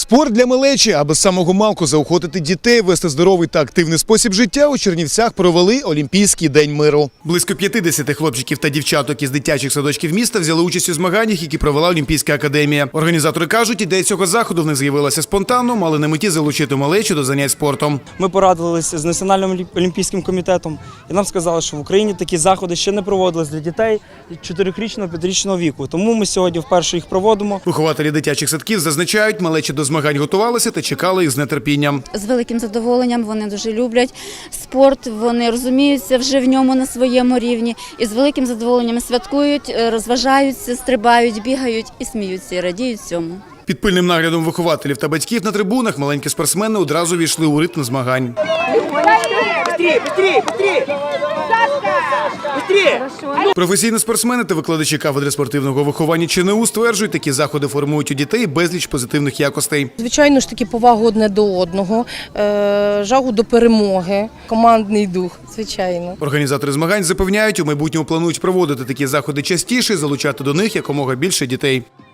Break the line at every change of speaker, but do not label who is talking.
Спорт для малечі, аби з самого малку заохотити дітей, вести здоровий та активний спосіб життя, у Чернівцях провели Олімпійський день миру. Близько 50 хлопчиків та дівчаток із дитячих садочків міста взяли участь у змаганнях, які провела Олімпійська академія. Організатори кажуть, ідея цього заходу в них з'явилася спонтанно, мали на меті залучити малечу до занять спортом.
Ми порадилися з Національним олімпійським комітетом і нам сказали, що в Україні такі заходи ще не проводились для дітей 4-річного, 5-річного віку. Тому ми сьогодні вперше їх проводимо.
Вихователі дитячих садків зазначають, малечі до змагань готувалися та чекали їх з нетерпінням.
З великим задоволенням, вони дуже люблять спорт, вони розуміються вже в ньому на своєму рівні і з великим задоволенням святкують, розважаються, стрибають, бігають і сміються, і радіють цьому.
Під пильним наглядом вихователів та батьків на трибунах маленькі спортсмени одразу війшли у ритм змагань. Професійні спортсмени та викладачі кафедри спортивного виховання ЧНУ стверджують, такі заходи формують у дітей безліч позитивних якостей.
Звичайно ж таки повагу одне до одного, жагу до перемоги, командний дух, звичайно.
Організатори змагань запевняють, у майбутньому планують проводити такі заходи частіше і залучати до них якомога більше дітей.